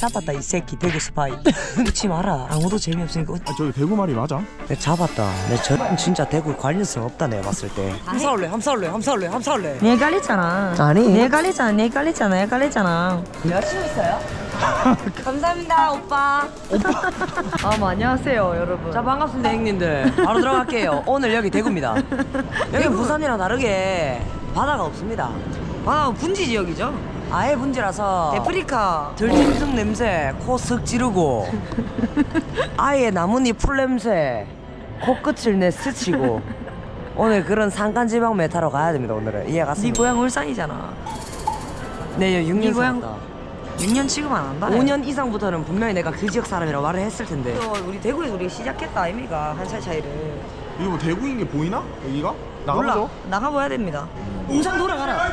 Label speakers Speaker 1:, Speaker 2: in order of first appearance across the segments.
Speaker 1: 잡았다 이 새끼 대구 스파이. 웃지 마라. 아무도 재미없으니까.
Speaker 2: 저기 대구 말이 맞아?
Speaker 1: 내 잡았다. 내 저 진짜 대구 관련성 없다 내가 봤을 때. 함사올래.
Speaker 3: 네 헷갈렸잖아.
Speaker 1: 아니.
Speaker 3: 네 헷갈렸잖아.
Speaker 1: 여자친구 있어요?
Speaker 3: 감사합니다 오빠. 안녕하세요 여러분.
Speaker 1: 자 반갑습니다 형님들. 바로 들어갈게요. 오늘 여기 대구입니다. 여기 부산이랑 다르게 바다가 없습니다.
Speaker 3: 분지 지역이죠.
Speaker 1: 아예 분지라서
Speaker 3: 데프리카.
Speaker 1: 들짐승 냄새 코 쓱 찌르고 아예 나뭇잎 풀 냄새 코끝을 내 스치고 오늘 그런 산간지방 메타로 가야 됩니다. 오늘은 이해
Speaker 3: 네
Speaker 1: 갔습니다.
Speaker 3: 고향 울산이잖아.
Speaker 1: 네 6년
Speaker 3: 네 고향-
Speaker 1: 살았다.
Speaker 3: 6년 취급 안 한다.
Speaker 1: 5년 이상부터는 분명히 내가 그 지역 사람이라고 말을 했을 텐데.
Speaker 3: 우리 대구에서 우리가 시작했다 아이미가 한 살 차이를.
Speaker 2: 이거 뭐 대구인 게 보이나? 여기가?
Speaker 3: 몰라.
Speaker 2: 나가보죠.
Speaker 3: 나가봐야 됩니다. 우산 돌아가라.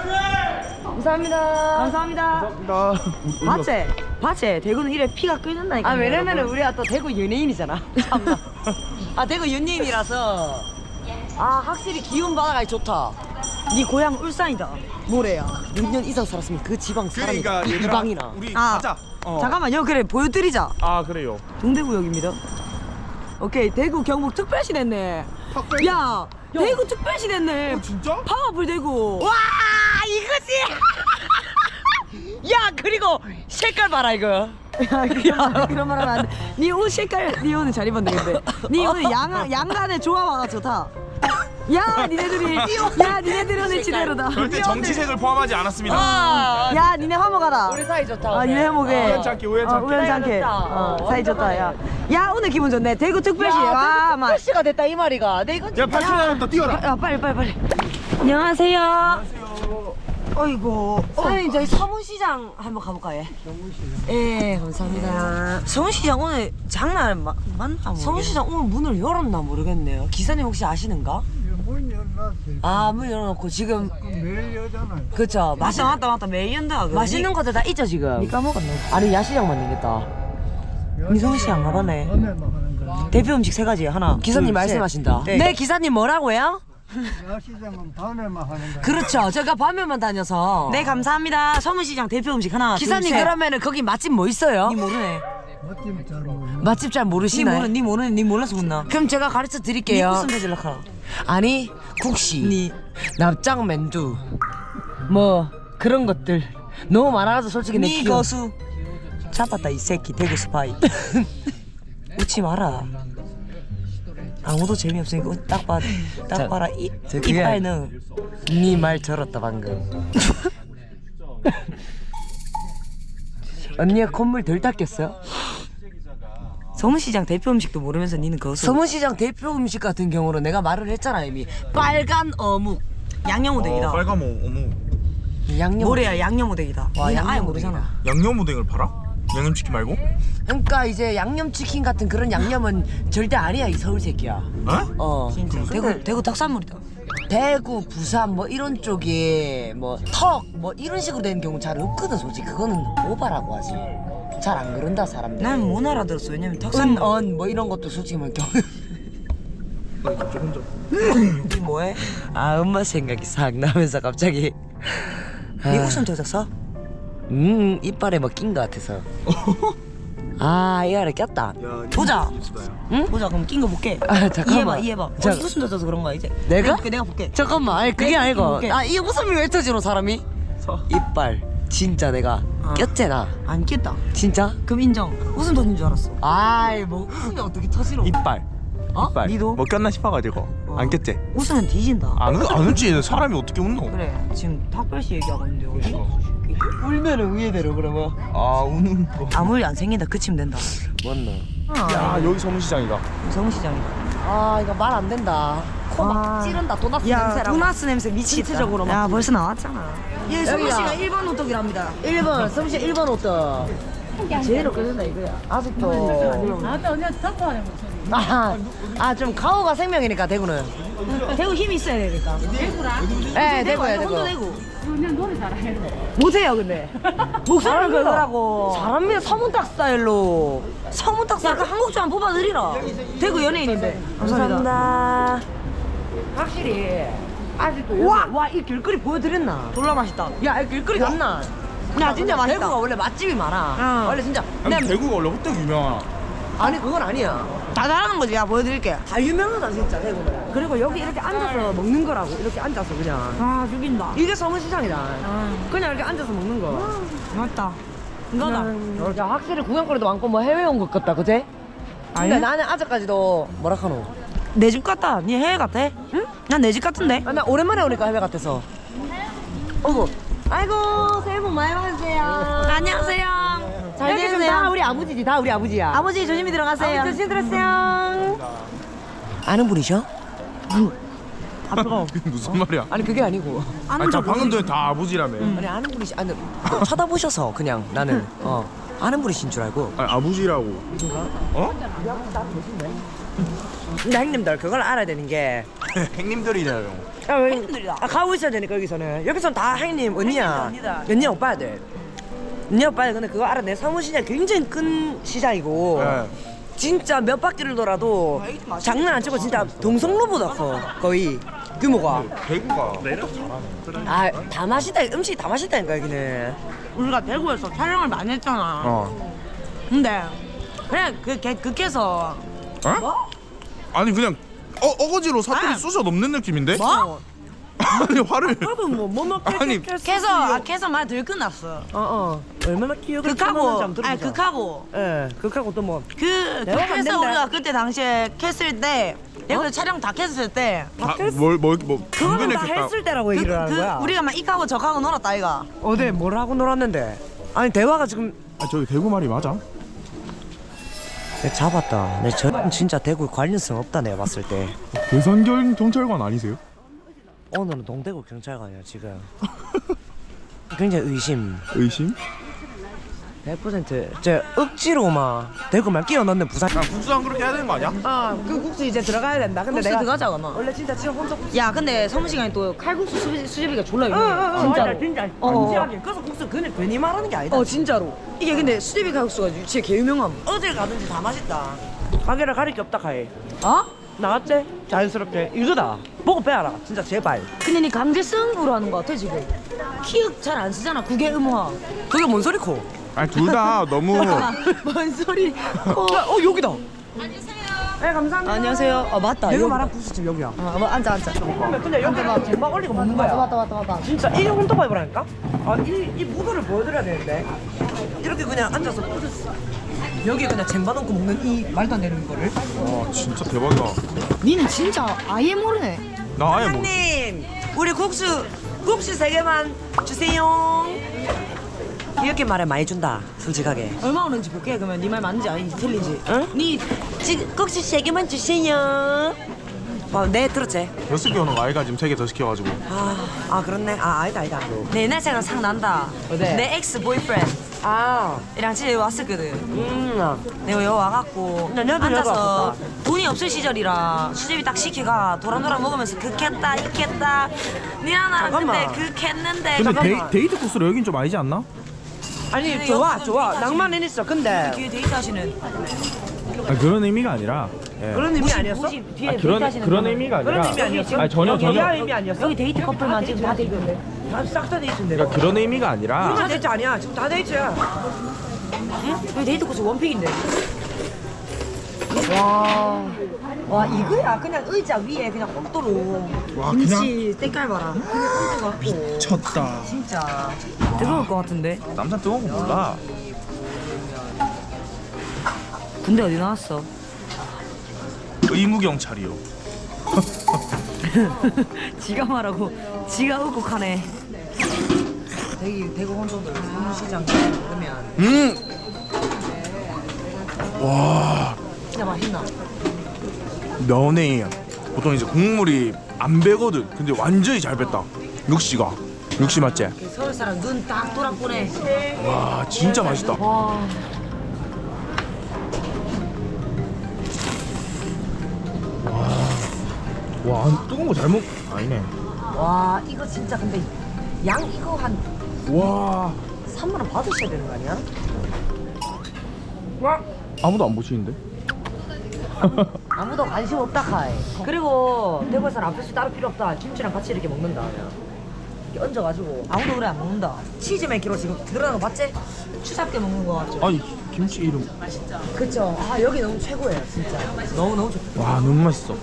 Speaker 3: 감사합니다. 봤지? 대구는 이래 피가 끓는다니까.
Speaker 1: 아 왜냐면은 우리가 또 대구 연예인이잖아. 참나. 아 대구 연예인이라서 아 확실히 기운 바다가 좋다.
Speaker 3: 네 고향 울산이다. 뭐래야?
Speaker 1: 6년 이상 살았으면 그 지방 사람이
Speaker 2: 그러니까
Speaker 1: 이
Speaker 2: 얘들아,
Speaker 1: 방이나.
Speaker 2: 우리
Speaker 3: 아,
Speaker 2: 가자.
Speaker 3: 잠깐만요. 그래 보여드리자.
Speaker 2: 아 그래요.
Speaker 3: 동대구역입니다. 오케이 대구 경북 특별시 됐네.
Speaker 2: 탁배.
Speaker 3: 야 대구 특별시 됐네.
Speaker 2: 진짜?
Speaker 3: 파워풀 대구.
Speaker 1: 와 이거지. 야 그리고 색깔 봐라 이거.
Speaker 3: 그런 말 하면 안 돼. 네 옷 색깔, 네 오늘 잘 입었네 근데. 네 오늘 양간의 조화가 좋다. 야 니네들이 오늘 지대로다.
Speaker 2: 절대 정치색을 포함하지 않았습니다.
Speaker 1: 아
Speaker 3: 야 니네 화목하라.
Speaker 1: 우리 사이 좋다.
Speaker 3: 아
Speaker 1: 오늘.
Speaker 3: 니네 화목해.
Speaker 2: 우연찮게, 우연찮게.
Speaker 3: 우연찮게.
Speaker 1: 좋다.
Speaker 3: 사이 좋다. 야 오늘 기분 좋네. 대구 특별시. 와 막.
Speaker 1: 특별시가 됐다 이 말이가. 내 이건
Speaker 2: 야 8초 뛰어라.
Speaker 3: 야 빨리. 안녕하세요. 어이구.
Speaker 1: 사장님 저희 서문시장 한번 가볼까요? 예 감사합니다.
Speaker 3: 서울시장 오늘 장날 맞나?
Speaker 1: 서문시장 오늘 문을 열었나 모르겠네요. 기사님 혹시 아시는가?
Speaker 4: 문 열어놨어요.
Speaker 1: 아 문 열어놓고 지금
Speaker 4: 매일 여잖아요.
Speaker 1: 그쵸
Speaker 3: 맞다 매일 연다.
Speaker 1: 맛있는 것들 다 있죠 지금.
Speaker 3: 니 까먹었네.
Speaker 1: 아니 야시장만 되겠다.
Speaker 3: 니 서울시 안 가봤네.
Speaker 4: 밤에만 하는 거예요.
Speaker 3: 대표 음식 세 가지 하나.
Speaker 1: 기사님
Speaker 3: 둘,
Speaker 1: 말씀하신다.
Speaker 3: 셋.
Speaker 1: 네 기사님 뭐라고요?
Speaker 4: 야시장은 밤에만 하는 거예요.
Speaker 1: 그렇죠. 제가 밤에만 다녀서.
Speaker 3: 네 감사합니다. 서문시장 대표 음식 하나.
Speaker 1: 기사님
Speaker 3: 둘, 셋.
Speaker 1: 그러면은 거기 맛집 뭐 있어요?
Speaker 3: 니 모르네.
Speaker 4: 멋짐 잘 모르는.
Speaker 1: 맛집 잘 모르시나요?
Speaker 3: 니 몰라서 묻나?
Speaker 1: 그럼 제가 가르쳐
Speaker 3: 니
Speaker 1: 드릴게요.
Speaker 3: 무슨 배질락 하나?
Speaker 1: 아니 국시,
Speaker 3: 니
Speaker 1: 납작 맨두, 뭐 그런 것들 너무 많아서 솔직히 내
Speaker 3: 니
Speaker 1: 기억.
Speaker 3: 거수. 잡았다 이 새끼 대구 스파이. 웃지 마라. 아무도 재미없으니까 딱 봐라
Speaker 1: 저 그게
Speaker 3: 이빨는.
Speaker 1: 네 말 들었다 방금. 언니가 콧물 덜 닦였어?
Speaker 3: 서문시장 대표 음식도 모르면서 니는 거수.
Speaker 1: 서문시장 대표 음식 같은 경우는 내가 말을 했잖아 이미. 빨간 어묵,
Speaker 3: 양념오뎅이다.
Speaker 2: 빨간 어묵.
Speaker 1: 양념.
Speaker 3: 뭐래야 양념오뎅이다.
Speaker 1: 와,
Speaker 3: 니는 아예
Speaker 1: 양념오뎅이다.
Speaker 3: 모르잖아.
Speaker 2: 양념오뎅을 팔아? 양념치킨 말고?
Speaker 1: 그러니까 이제 양념치킨 같은 그런 양념은 절대 아니야 이 서울 새끼야.
Speaker 2: 어?
Speaker 3: 진짜 대구 특산물이다.
Speaker 1: 대구, 부산 뭐 이런 쪽에 뭐 턱 뭐 이런 식으로 되는 경우 잘 없거든 솔직히. 그거는 오바라고 하지. 잘 안 그런다 사람들.
Speaker 3: 난 못 알아들었어. 왜냐면 특산물.
Speaker 1: 뭐 이런 것도 솔직히 뭐 경우.
Speaker 3: 니 뭐해?
Speaker 1: 아 엄마 생각이 싹 나면서 갑자기.
Speaker 3: 니 웃음 터졌어?
Speaker 1: 이빨에 뭐 낀 것 같아서. 아 이빨에 꼈다.
Speaker 3: 보자.
Speaker 1: 응?
Speaker 3: 보자. 그럼 낀 거 볼게.
Speaker 1: 아 잠깐만.
Speaker 3: 이해봐.
Speaker 1: 자,
Speaker 3: 웃음 터져서 그런 거야 이제.
Speaker 1: 내가?
Speaker 3: 내가 볼게.
Speaker 1: 잠깐만. 아니 그게
Speaker 3: 내가
Speaker 1: 아니고.
Speaker 3: 볼게.
Speaker 1: 아 이 웃음이 왜 터지노 사람이? 이빨 진짜 내가 꼈잖아.
Speaker 3: 안 깼다.
Speaker 1: 진짜?
Speaker 3: 그럼 인정. 웃음 터진 줄 알았어.
Speaker 1: 아이 뭐 웃음이 어떻게 터지노?
Speaker 2: 이빨.
Speaker 1: 어?
Speaker 2: 이빨.
Speaker 3: 니도?
Speaker 2: 뭐 꼈나 싶어가지고 안 꼈지?
Speaker 3: 웃으면 뒤진다.
Speaker 2: 안 웃지. 사람이 어떻게 웃노?
Speaker 3: 그래. 지금 탁별씨 얘기하고 있는데 어디?
Speaker 1: 울면은 우예대로 그러면.
Speaker 2: 아 우는 거.
Speaker 3: 아무 일 안 생긴다. 그치면 된다.
Speaker 1: 맞나?
Speaker 2: 야 여기 서문시장이다.
Speaker 3: 서문시장이다.
Speaker 1: 아 이거 말 안 된다. 코 막 찌른다. 도넛
Speaker 3: 야,
Speaker 1: 냄새라고.
Speaker 3: 도나스 냄새 미치겠다.
Speaker 1: 신체적으로 막.
Speaker 3: 야, 벌써 나왔잖아. 예, 성우
Speaker 1: 여기야.
Speaker 3: 씨가 1번 호떡이랍니다.
Speaker 1: 1번 서울시 1번 호떡. 제대로 끓는다 이거야. 아직도.
Speaker 5: 나한테 언니가 덕분하는 목소리.
Speaker 1: 아좀 가오가 생명이니까 대구는.
Speaker 3: 대구 힘이 있어야 되니까.
Speaker 1: 네 대구야 대구.
Speaker 3: 혼도 대구.
Speaker 5: 그냥 노래 잘해.
Speaker 3: 못해요, 근데. 목소리를 걸더라고.
Speaker 1: 잘합니다. 서문탁 스타일로.
Speaker 3: 서문탁 약간 한국 좀 뽑아드리라. 대구 연예인인데. 감사합니다.
Speaker 1: 확실히 아직도 와 이 길거리 보여드렸나?
Speaker 3: 졸라 맛있다.
Speaker 1: 야 이 길거리 갔나?
Speaker 3: 야 진짜
Speaker 1: 대구가
Speaker 3: 맛있다.
Speaker 1: 원래 맛집이 많아.
Speaker 3: 응.
Speaker 1: 원래 진짜.
Speaker 2: 아니
Speaker 1: 근데
Speaker 2: 대구가 원래 호떡 유명하나?
Speaker 1: 아니 그건 아니야.
Speaker 3: 다 잘하는 거지. 야 보여드릴게.
Speaker 1: 다 유명하다 진짜 대구는. 그리고 여기 이렇게 앉아서 먹는 거라고. 이렇게 앉아서 그냥.
Speaker 3: 아 죽인다.
Speaker 1: 이게 서문시장이다. 그냥 이렇게 앉아서 먹는 거.
Speaker 3: 맞다. 이거다.
Speaker 1: 야 확실히 구경거리도 많고 뭐 해외 온 것 같다 그제? 근데
Speaker 3: 아니?
Speaker 1: 나는 아직까지도 뭐라 카노?
Speaker 3: 내 집 같다. 니 해외 같아? 응? 난 내 집 같은데.
Speaker 1: 아, 나 오랜만에 오니까 해외 같아서. 어구. 아이고 새해 복 많이 받으세요.
Speaker 3: 안녕하세요. 잘
Speaker 1: 여기 지금
Speaker 3: 지내세요?
Speaker 1: 다 우리 아버지지. 다 우리 아버지야.
Speaker 3: 아버지 조심히 들어가세요.
Speaker 1: 아버지 조심 들었어요. 아는 분이셔?
Speaker 3: 아 뜨거워.
Speaker 2: 그게 무슨 말이야?
Speaker 1: 아니 그게 아니고.
Speaker 2: 아니 자 방금 전에 다 아버지라며.
Speaker 1: 아니 아는 분이시. 아니 쳐다보셔서 그냥 나는 아는 분이신 줄 알고.
Speaker 2: 아니 아버지라고. 어?
Speaker 1: 근데 형님들 그걸 알아야 되는 게.
Speaker 2: 행님들이래요.
Speaker 1: 형님들이다. 가고 있어야 되니까 여기서는. 여기서는 다 형님 언니야.
Speaker 3: 언니다.
Speaker 1: 언니 오빠들. 언니 오빠들 근데 그거 알아. 내 사무실이 굉장히 큰 시장이고.
Speaker 2: 네.
Speaker 1: 진짜 몇 바퀴를 돌아도 장난 안 치고 진짜 동성로보다 커 거의 규모가.
Speaker 2: 대구가 매력 잘하네.
Speaker 1: 아 다 맛있다. 음식이 다 맛있다니까 여기는.
Speaker 3: 우리가 대구에서 촬영을 많이 했잖아.
Speaker 2: 어.
Speaker 3: 근데 그냥 극해서
Speaker 2: 어? 아니 그냥 어거지로 사투리 쑤셔 넘는 느낌인데?
Speaker 3: 뭐?
Speaker 2: 아니 화를.
Speaker 1: 밥은 뭐 먹게
Speaker 2: 아니,
Speaker 3: 캐서 말 들끝났어.
Speaker 1: 얼마나 기억을
Speaker 3: 극하고 아니 극하고
Speaker 1: 극하고 또 뭐.
Speaker 3: 그래서
Speaker 1: 된다.
Speaker 3: 우리가 그때 당시에 캤을 때 내가 저촬영 다 캤을 때
Speaker 2: 뭐
Speaker 1: 그거는 다 했을 때라고 얘기를 하는 거야.
Speaker 3: 우리가 막 이하고 저하고 놀았다 아이가.
Speaker 1: 어디 뭘 하고 놀았는데? 아니 대화가 지금
Speaker 2: 아 저기 대구 말이 맞아?
Speaker 1: 내 잡았다. 내 저 진짜 대구에 관련성 없다 내가 봤을 때.
Speaker 2: 괴산경 경찰관 아니세요?
Speaker 1: 오늘은 동대구 경찰관이야 지금. 굉장히 의심.
Speaker 2: 의심?
Speaker 1: 100% 저 억지로 막 대구만 끼워 넣는 부산.
Speaker 2: 야 국수랑 그렇게 해야 되는 거 아니야?
Speaker 1: 그 국수 이제 들어가야 된다. 근데
Speaker 3: 국수
Speaker 1: 내가
Speaker 3: 들어가자 그러면.
Speaker 1: 원래 진짜 지금 혼자
Speaker 3: 야 근데 서문시간에 또 칼국수 수제비가 졸라 유명해. 진짜로.
Speaker 1: 진짜 진지하게. 그래서 국수 괜히 말하는 게 아니다.
Speaker 3: 진짜로. 이게 근데 수제비 칼국수가 진짜 개 유명함.
Speaker 1: 어딜 가든지 다 맛있다. 가게를 가릴 게 없다 카이.
Speaker 3: 어?
Speaker 1: 나갔지? 자연스럽게 이거다. 보고 빼라. 진짜 제발.
Speaker 3: 근데 니 강제성으로 하는 거 같아 지금. 키읔 잘 안 쓰잖아. 국외 음화.
Speaker 1: 그게 뭔 소리코?
Speaker 2: 아니 둘 다 너무.
Speaker 3: 뭔 소리?
Speaker 1: 여기다. 네 감사합니다.
Speaker 3: 안녕하세요. 맞다.
Speaker 1: 내가
Speaker 3: 여기다.
Speaker 1: 말한 국수집 여기야.
Speaker 3: 앉아.
Speaker 1: 근데 여기 막 쟁반 올리고 먹는 거야.
Speaker 3: 맞다.
Speaker 1: 진짜 이게 혼토바이브라니까? 이 무도를 보여드려야 되는데 이렇게 그냥 앉아서 여기 그냥 쟁반 얹고 먹는 이 말도 안 되는 거를.
Speaker 2: 와 진짜 대박이다.
Speaker 3: 니는 진짜 아예 모르네.
Speaker 2: 나 아예 뭐.
Speaker 1: 사장님 우리 국수 3개만 주세요. 이렇게 말해 많이 준다 솔직하게.
Speaker 3: 얼마 오는지 볼게. 그러면 니 말 맞는지 아닌지 틀린지.
Speaker 1: 응?
Speaker 3: 니
Speaker 1: 지금 국수 3개만 주세요. 네 들었지?
Speaker 2: 6개 오는 거 아이가 지금 3개 더 시켜가지고.
Speaker 1: 아 그렇네. 아니다
Speaker 3: 내 옛날 생각 상 난다.
Speaker 1: 어디?
Speaker 3: 내 엑스 보이프렌드
Speaker 1: 아
Speaker 3: 이랑 집에 왔었거든. 내가 여기 와갖고
Speaker 1: 근데 얘도 여기
Speaker 3: 앉아서
Speaker 1: 왔었다.
Speaker 3: 돈이 없을 시절이라 수제비 딱 시키가 도란도란 먹으면서 극했다 익혔다 니랑 나랑
Speaker 1: 잠깐만.
Speaker 3: 근데 극했는데
Speaker 2: 근데
Speaker 1: 잠깐만.
Speaker 2: 데이트 코스로 여긴 좀 아니지 않나?
Speaker 1: 아니
Speaker 3: 근데
Speaker 1: 좋아
Speaker 3: 여기서
Speaker 1: 좋아
Speaker 3: 데이트하시는
Speaker 1: 낭만은 있어. 근데
Speaker 3: 뒤에 데이트 하시는
Speaker 2: 아 그런 의미가 아니라. 예.
Speaker 1: 그런 의미 아니었어?
Speaker 3: 뒤에 데이트 하시는
Speaker 2: 그런 의미가 아니라.
Speaker 1: 그런 의미 아니었어?
Speaker 2: 아니 전혀
Speaker 1: 여자 의미 아니었어?
Speaker 3: 여기 데이트 커플만 지금 다 데이트인데
Speaker 1: 싹 다 데이트인데.
Speaker 2: 그러니까 그런 의미가 아니라.
Speaker 1: 다 데이트 아니야. 지금 다 데이트야.
Speaker 3: 여기 데이트 코스 원픽인데
Speaker 1: 와 이거야. 그냥 의자 위에 그냥 옥도로
Speaker 2: 와
Speaker 3: 김치 색깔 봐라
Speaker 2: 미쳤다.
Speaker 3: 진짜 뜨거울 것 같은데
Speaker 2: 남자 뜨거운 거 몰라.
Speaker 3: 군대 어디 나왔어?
Speaker 2: 의무경찰이요.
Speaker 3: 지가 말하고 지가 의국하네
Speaker 1: 대구 혼돈들 서문시장 그러면
Speaker 2: 와
Speaker 3: 진짜 맛있나?
Speaker 2: 면에 보통 이제 국물이 안 배거든. 근데 완전히 잘 뺐다. 육시가. 육시 맞지?
Speaker 3: 서울 사람 눈 딱 돌아보네
Speaker 2: 와 진짜 맛있다. 와 뜨거운 거 잘 먹. 아니네.
Speaker 1: 와 이거 진짜 근데 양 이거 한
Speaker 2: 와
Speaker 1: 3만 원 받으셔야 되는 거 아니야?
Speaker 2: 아무도 안 보시는데?
Speaker 1: 아무도 관심 없다 카이. 그리고 대구에서는 앞에서 따로 필요 없다. 김치랑 같이 이렇게 먹는다 그냥. 이렇게 얹어가지고
Speaker 3: 아무도 그래 안 먹는다.
Speaker 1: 치즈 맨키로 지금 들어가는 거 봤지?
Speaker 3: 추잡게 먹는 거 같죠?
Speaker 2: 아니 김치 이름.
Speaker 1: 그쵸. 아 여기 너무 최고예요 진짜. 너무 좋다.
Speaker 2: 와 너무 맛있어.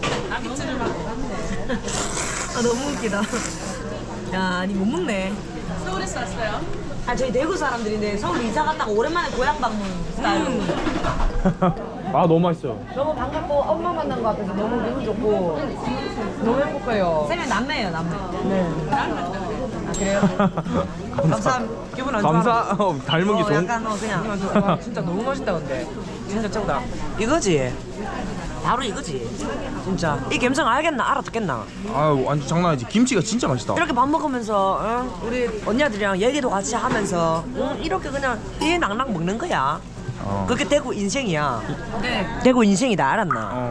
Speaker 3: 아 너무 웃기다. 야, 니 못 먹네.
Speaker 5: 서울에서 왔어요?
Speaker 3: 아 저희 대구 사람들인데 서울 이사 갔다가 오랜만에 고향 방문 스타일로.
Speaker 2: 아 너무 맛있어요.
Speaker 1: 너무 반갑고 엄마 만난 것 같아서 너무 기분 좋고 너무 행복해요.
Speaker 3: 쌤이 남매예요 남매.
Speaker 1: 네.
Speaker 3: 아 그래요? 감사합니다. 기분 안 좋아.
Speaker 2: 감사. 닮은 게 좋은.
Speaker 3: 약간 그냥.
Speaker 1: 와 진짜 너무 맛있다 근데 진짜 최고다. 이거지. 바로 이거지. 진짜 이 감성 알아듣겠나?
Speaker 2: 아 완전 장난 아니지. 김치가 진짜 맛있다.
Speaker 1: 이렇게 밥 먹으면서 우리 언니들이랑 얘기도 같이 하면서 이렇게 그냥 이 낭낭 먹는 거야. 그게 대구 인생이야.
Speaker 3: 네.
Speaker 1: 대구 인생이다 알았나?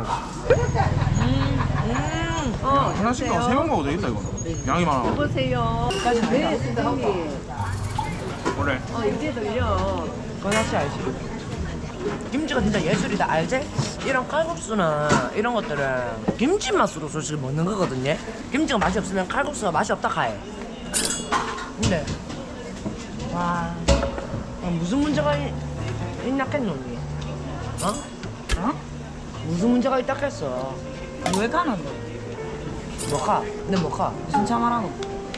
Speaker 2: 하나씩 세 명 먹어도 되겠다 이거. 양이 많아.
Speaker 5: 보세요. 네, 선생님.
Speaker 2: 그래.
Speaker 5: 이제 들려.
Speaker 1: 그건 확실히 알지. 김치가 진짜 예술이다 알지? 이런 칼국수나 이런 것들은 김치 맛으로 솔직히 먹는 거거든요. 김치가 맛이 없으면 칼국수가 맛이 없다 카해. 근데 와 무슨 문제가 있나겠노 언니? 어? 무슨 문제가 있다겠어?
Speaker 3: 왜 가는데?
Speaker 1: 뭐가? 내 뭐가?
Speaker 3: 무슨 차 말하노?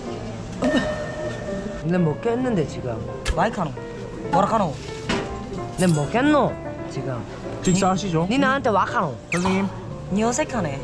Speaker 1: 내 먹겠는데 지금.
Speaker 3: 마이크 하노? 뭐라 카노?
Speaker 1: 내 먹겠노 지금.
Speaker 2: 식사하시죠.
Speaker 1: 니 나한테 와카노.
Speaker 2: 선생님.
Speaker 3: 니 어색하네.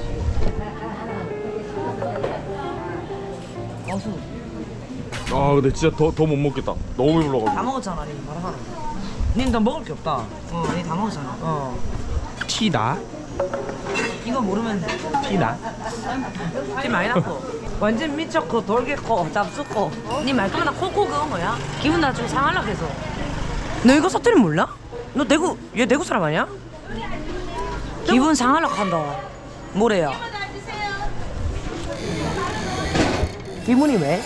Speaker 3: 어수.
Speaker 2: 아 근데 진짜 더 못 먹겠다. 너무 배불러가지고.
Speaker 3: 다 먹었잖아 니 뭐라 카노?
Speaker 1: 니 나 먹을 게 없다.
Speaker 3: 니 다 먹었잖아.
Speaker 2: 티다.
Speaker 3: 이거 모르면
Speaker 2: 티다.
Speaker 1: 티 많이 났고 완전 미쳤고 돌겠고 잡숫고 니 말투나 코코 그거 뭐야? 기분 나 좀 상하려고 해서. 너 이거 사투리 몰라? 너 얘 대구 사람 아니야? 기분 상하려고 한다. 뭐래요? 기분이 왜?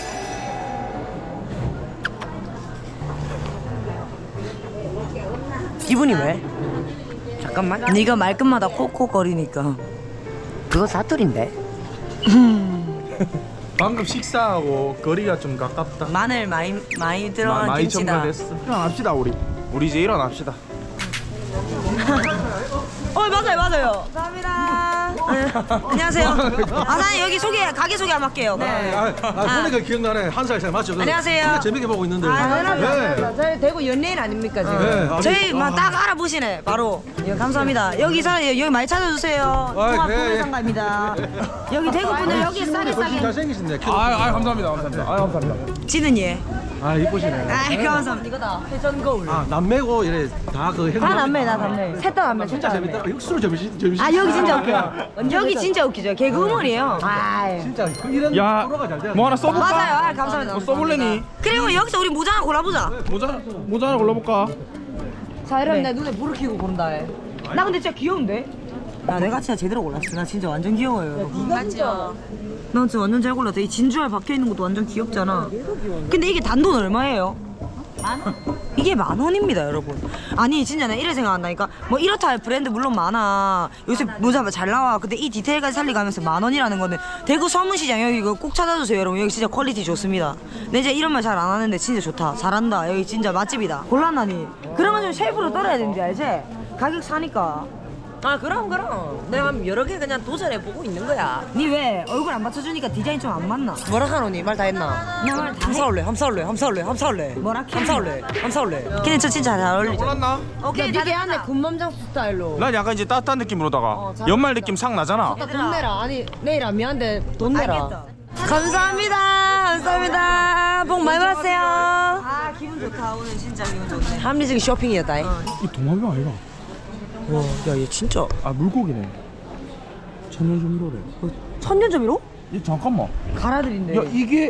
Speaker 1: 기분이 왜? 잠깐만.
Speaker 3: 네가 말끝마다 콕콕거리니까.
Speaker 1: 그거 사투리인데.
Speaker 2: 방금 식사하고 거리가 좀 가깝다.
Speaker 3: 마늘 많이 들어간
Speaker 2: 많이
Speaker 3: 김치다.
Speaker 2: 첨가됐어. 일어납시다 우리. 우리 이제 일어납시다.
Speaker 3: 맞아요. 감사합니다. 안녕하세요. 사장님 여기 가게 소개 한번 할게요. 네.
Speaker 6: 보니까 기억나네. 한 살 차이 맞죠?
Speaker 3: 안녕하세요.
Speaker 6: 진짜 재밌게 보고 있는데.
Speaker 3: 당연합니다.
Speaker 1: 저희 대구 연예인 아닙니까 지금?
Speaker 6: 네, 아니,
Speaker 3: 저희 딱 알아보시네 바로. 예, 감사합니다. 여기 여기 많이 찾아주세요. 통합
Speaker 6: 그래.
Speaker 3: 구매상가입니다. 여기 대구 분들 여기 싸게
Speaker 6: 훨씬 잘생기신데.
Speaker 2: 감사합니다. 감사합니다.
Speaker 3: 지는 예.
Speaker 6: 이쁘시네.
Speaker 3: 감사합니다. 이거다. 회전 거울.
Speaker 6: 남매고 이래 다그
Speaker 3: 다 남매 나 남매. 셋 다 남매.
Speaker 6: 진짜 재밌다. 육수를 점심.
Speaker 3: 여기 진짜 웃겨요. 여기 진짜 웃기죠. 개그 우먼이에요.
Speaker 6: 진짜 이런
Speaker 2: 야,
Speaker 6: 프로가 잘 돼야
Speaker 2: 뭐 하나 써볼까?
Speaker 3: 맞아요. 감사합니다.
Speaker 2: 뭐 써볼래니?
Speaker 3: 그리고 여기서 우리 모자 하나 골라보자.
Speaker 2: 모자 하나 골라볼까?
Speaker 1: 자 이러면 내 눈에 불을 켜고 본다 해.
Speaker 3: 나 근데 진짜 귀여운데? 야 내가 진짜 제대로 골랐어. 나 진짜 완전 귀여워요. 여러분.
Speaker 1: 맞죠?
Speaker 3: 나 진짜 완전 잘 골랐다. 이 진주알 박혀있는 것도 완전 귀엽잖아. 근데 이게 단돈 얼마예요? 이게 10,000원입니다 여러분. 아니 진짜 나 이래 생각한다니까. 뭐 이렇다 할 브랜드 물론 많아. 요새 모자 잘 나와. 근데 이 디테일까지 살리가면서 10,000원이라는 거는 대구 서문시장 여기 이거 꼭 찾아주세요 여러분. 여기 진짜 퀄리티 좋습니다. 근데 이제 이런 말 잘 안 하는데 진짜 좋다. 잘한다. 여기 진짜 맛집이다. 곤란하니 그러면 좀 쉐이프로 떨어야 되는지 알지? 가격 사니까.
Speaker 1: 아 그럼 내가 여러 개 그냥 도전해보고 있는 거야.
Speaker 3: 니 왜 얼굴 안 받쳐주니까 디자인 좀 안 맞나?
Speaker 1: 뭐라 하노니? 말 다 했나?
Speaker 3: 나 말 다 해.
Speaker 1: 함사올래
Speaker 3: 뭐라 캐?
Speaker 1: 함사올래.
Speaker 3: 근데 저 진짜 잘 어울리죠?
Speaker 2: 골랐나?
Speaker 3: 오케이
Speaker 1: 니게 안에 군맘장 스타일로.
Speaker 2: 난 약간 이제 따뜻한 느낌으로다가 연말 느낌 싹 나잖아.
Speaker 1: 돈 내라. 아니 내일 안 미안데 돈 내라.
Speaker 3: 알겠다.
Speaker 1: 감사합니다. 복 많이 받으세요.
Speaker 3: 아 기분 좋다. 오늘 진짜 기분 좋네.
Speaker 1: 합리적인 쇼핑이었다.
Speaker 2: 이 도마뱀 아이가?
Speaker 1: 와, 야, 얘 진짜
Speaker 2: 아 물고기네. 천년조미료래.
Speaker 3: 천년점이로?
Speaker 2: 이 잠깐만.
Speaker 3: 가라들인데.
Speaker 2: 야 이게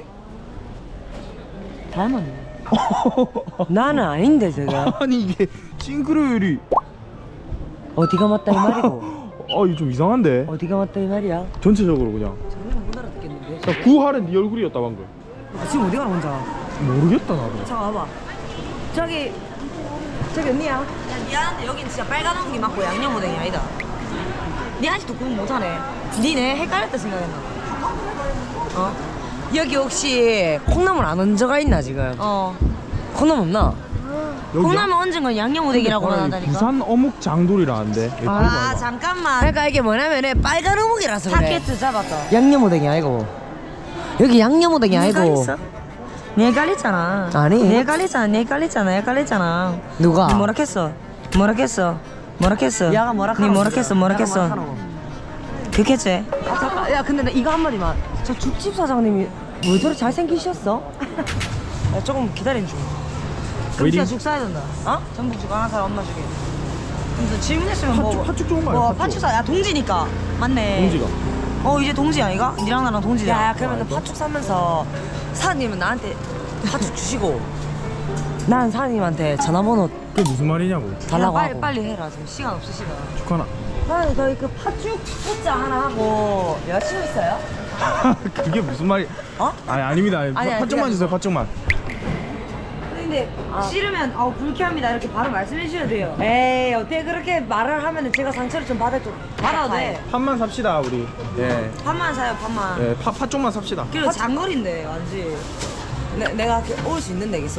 Speaker 3: 닮았네.
Speaker 1: 나는 아닌데 제가
Speaker 2: 아니 이게 싱크로율이
Speaker 1: 어디가 맞다 이 말이고
Speaker 2: 이거 좀 이상한데.
Speaker 1: 어디가 맞다 이 말이야.
Speaker 2: 전체적으로 그냥.
Speaker 3: 못 알아듣겠는데.
Speaker 2: 야, 구하는 네 얼굴이었다 방금.
Speaker 3: 지금 어디 가나 혼자.
Speaker 2: 모르겠다 나도.
Speaker 3: 잠깐 와봐. 저기 언니야. 야 미안한데 여긴 진짜 빨간 옹기 맞고 양념 오뎅이 아니다. 니 아직도 구분 못하네. 니네 헷갈렸다 생각했나?
Speaker 1: 여기 혹시 콩나물 안 얹어가 있나 지금? 콩나물 없나?
Speaker 3: 콩나물 얹은 건 양념오뎅이라고 하다니까.
Speaker 2: 부산 어묵 장돌이라는데.
Speaker 3: 아 잠깐만.
Speaker 1: 그러니까 이게 뭐냐면은 빨간 어묵이라서 그래.
Speaker 3: 타켓 잡았다.
Speaker 1: 양념오뎅이 아니고 여기 양념오뎅이 아니고
Speaker 3: 네 깔렸잖아.
Speaker 1: 아니.
Speaker 3: 네 깔렸잖아. 네 깔렸잖아. 네 깔렸잖아.
Speaker 1: 누가?
Speaker 3: 니 뭐라 했어? 뭐라 했어? 뭐라 했어?
Speaker 1: 야가 뭐라
Speaker 3: 니 뭐라 했어? 뭐라 했어? 그겠지?
Speaker 1: 아 잠깐 야 근데 나 이거 한마디만 저 죽집 사장님이 왜 저렇게 잘생기셨어? 야 조금 기다린 중
Speaker 3: 그럼 진짜 죽 사야 된다. 어? 전복죽 하나 사라 엄마 주게. 그래서 질문했으면 뭐
Speaker 2: 팥죽 좋은 거 아니야?
Speaker 3: 뭐
Speaker 2: 팥죽.
Speaker 3: 팥죽 사. 야 동지니까. 맞네.
Speaker 2: 동지가.
Speaker 3: 이제 동지야 이가? 니랑 나랑 동지야.
Speaker 1: 야 그러면 팥죽 사면서 사장님은 나한테 팥죽 주시고 난 사장님한테 전화번호
Speaker 2: 그게 무슨 말이냐고.
Speaker 1: 달라고
Speaker 3: 빨리
Speaker 1: 하고
Speaker 3: 빨리 해라. 지금 시간 없으시다.
Speaker 2: 축하나.
Speaker 1: 사장님 저희 그 팥죽 포자 하나 하고 여자친구 있어요?
Speaker 2: 그게 무슨 말이?
Speaker 1: 어?
Speaker 2: 아니 아닙니다.
Speaker 1: 아니,
Speaker 2: 팥죽만
Speaker 1: 그냥-
Speaker 2: 주세요. 팥죽만.
Speaker 3: 근데 싫으면 불쾌합니다 이렇게 바로 말씀해 주셔야 돼요. 에이 어떻게 그렇게 말을 하면 제가 상처를 좀 받을 줄 받아도 돼.
Speaker 2: 판만 삽시다 우리. 예.
Speaker 3: 판만 사요 판만.
Speaker 2: 예. 팥죽만 삽시다.
Speaker 3: 그리고 장거리인데 완지.
Speaker 1: 내가 올 수 있는 데 있어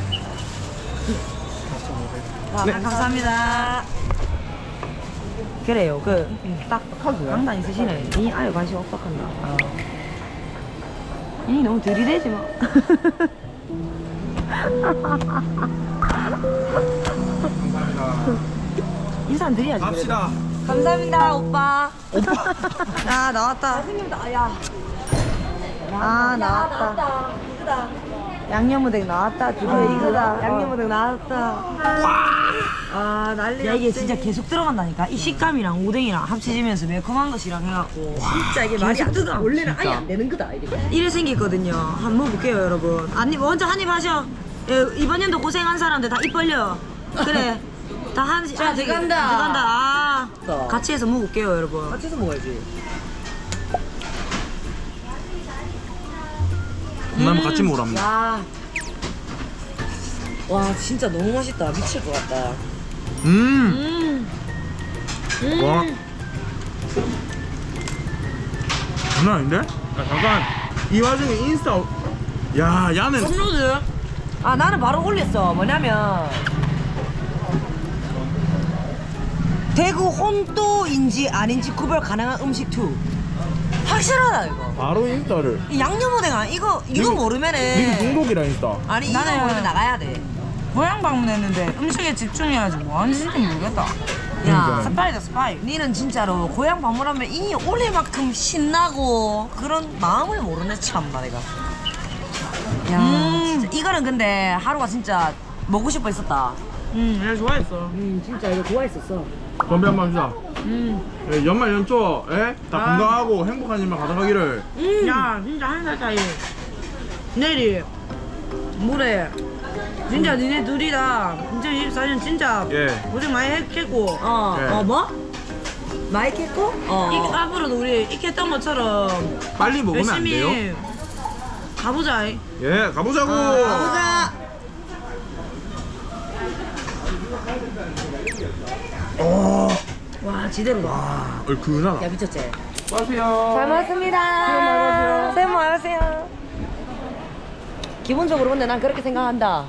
Speaker 3: 감사합니다. 그래요. 딱 강단 있으시네. 이 아예 관심 없박한다. 이 너무 들이대지 마. 인사는 드려야지.
Speaker 2: 갑시다.
Speaker 3: 감사합니다 오빠. 아 나왔다. 야. 아 나왔다. 양념오뎅 나왔다. 드디어 이거다. 양념오뎅 나왔다. 아 난리. 야 이게 진짜 계속 들어간다니까. 이 식감이랑 오뎅이랑 합쳐지면서 매콤한 것이랑 해갖고 진짜 이게 말이 안 돼. 원래는 아예 안 되는 거다. 이래 생겼거든요. 한번 먹어볼게요 여러분. 먼저 한입 하셔. 이번 연도 고생한 사람들 다 입 벌려. 그래. 다 한입.
Speaker 1: 자, 들어간다.
Speaker 3: 들어간다. 같이 해서 먹어볼게요 여러분.
Speaker 1: 같이 해서 먹어야지
Speaker 2: 콩나물 같이 먹으랍니다.
Speaker 1: 와 진짜 너무 맛있다 미칠 것 같다
Speaker 2: 와. 장난 아닌데? 야, 잠깐. 이 와중에 인스타. 야, 야는.
Speaker 1: 업로드 나는 바로 올렸어 뭐냐면 대구 혼또인지 아닌지 구별 가능한 음식 2 확실하다 이거
Speaker 2: 바로 인스타를.
Speaker 1: 이 양념오뎅 이거
Speaker 2: 니가
Speaker 1: 모르면은
Speaker 2: 중독이라 인스타.
Speaker 1: 아니 이거 모르면 나가야 돼
Speaker 3: 고향 방문했는데 음식에 집중해야지 뭐 하는지 모르겠다.
Speaker 1: 야,
Speaker 3: 스파이다 스파이.
Speaker 1: 니는 진짜로 고향 방문하면 이 올해만큼 신나고 그런 마음을 모르네 참나 내가. 야, 진짜 이거는 근데 하루가 진짜 먹고 싶어 했었다.
Speaker 3: 내가 좋아했어.
Speaker 1: 진짜 이거 좋아했었어.
Speaker 2: 건배 한번 합시다. 예, 연말 연초, 예? 다 건강하고 행복한 일만 가득하기를.
Speaker 3: 야 진짜 한 살 차이. 내일이 모레. 진짜 니네 둘이 다 2024년 진짜
Speaker 2: 예.
Speaker 3: 고생 많이 했겠고.
Speaker 2: 네.
Speaker 1: 뭐? 마이크 했고?
Speaker 3: 앞으로도 우리 이렇게 했던 것처럼
Speaker 2: 빨리 먹으면 안 돼요?
Speaker 3: 열심히 가보자.
Speaker 2: 예, 가보자고.
Speaker 1: 가보자. 와 지대로다.
Speaker 2: 얼큰하다.
Speaker 1: 야 미쳤지?
Speaker 2: 마세요.
Speaker 1: 잘 먹었습니다. 새해 복 많이 받으세요. 기본적으로 근데 난 그렇게 생각한다.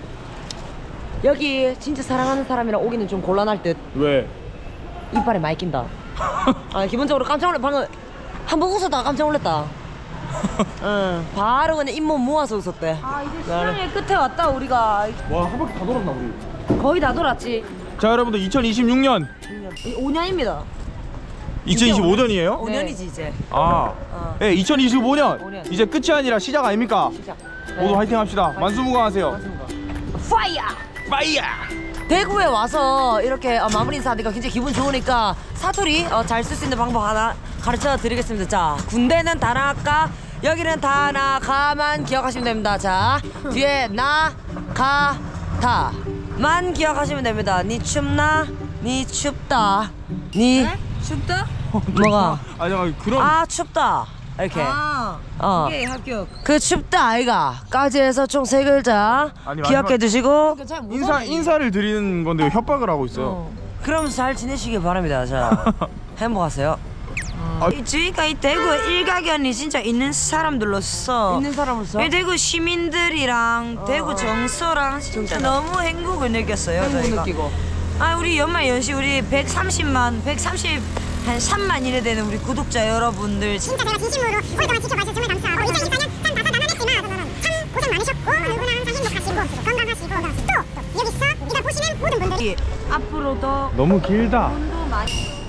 Speaker 1: 여기 진짜 사랑하는 사람이랑 오기는 좀 곤란할 듯.
Speaker 2: 왜?
Speaker 1: 이빨에 많이 낀다. 기본적으로 깜짝 놀래. 방금 한 번 웃었다가 깜짝 놀랐다. 응, 바로 그냥 잇몸 모아서 웃었대.
Speaker 3: 이제 시장의 끝에 왔다 우리가.
Speaker 2: 와, 한 바퀴 다 돌았나 우리?
Speaker 3: 거의 다 돌았지.
Speaker 2: 자, 여러분들 2026년
Speaker 3: 5년입니다.
Speaker 2: 2025년이에요?
Speaker 1: 5년이지 이제.
Speaker 2: 아, 네, 2025년
Speaker 1: 5년.
Speaker 2: 이제 끝이 아니라 시작 아닙니까?
Speaker 1: 시작.
Speaker 2: 모두 화이팅 합시다. 만수무강하세요.
Speaker 1: 파이어!
Speaker 2: 파이어!
Speaker 1: 대구에 와서 이렇게 마무리 인사하니까 굉장히 기분 좋으니까 사투리 잘 쓸 수 있는 방법 하나 가르쳐 드리겠습니다. 자, 군대는 다나가, 여기는 다나가만 기억하시면 됩니다. 자, 뒤에 나, 가, 다. 만 기억하시면 됩니다. 니 춥나? 니 춥다. 니
Speaker 3: 춥다?
Speaker 1: 뭐가?
Speaker 2: 아, 잠깐 그런.
Speaker 1: 아 춥다. 이렇게.
Speaker 3: 오케이 합격.
Speaker 1: 그 춥다 아이가까지 해서 총 3글자
Speaker 2: 아니,
Speaker 1: 기억해
Speaker 2: 마지막-
Speaker 1: 두시고
Speaker 2: 인사를 드리는 건데 왜 협박을 하고 있어요?
Speaker 1: 그럼 잘 지내시길 바랍니다. 자 행복하세요.
Speaker 3: 저희가 이 대구 일가견이 진짜 있는 사람들로서
Speaker 1: 있는 사람으로서
Speaker 3: 이 대구 시민들이랑 대구 정서랑 진짜 너무 행복을 느꼈어요. 저희가.
Speaker 1: 느끼고.
Speaker 3: 아 우리 연말 연시 우리 130만 130 한 3만 이래 되는 우리 구독자 여러분들
Speaker 7: 진짜 제가 진심으로 오랫동안 지켜봐주셔서 정말 감사하고 2024년 참 다사다난했지만 참 고생 많으셨고 누구나 항상 행복하시고 건강하시고 또 여기서 우리가 보시는 모든 분들이
Speaker 3: 앞으로도
Speaker 6: 너무 길다.
Speaker 3: 돈도 많이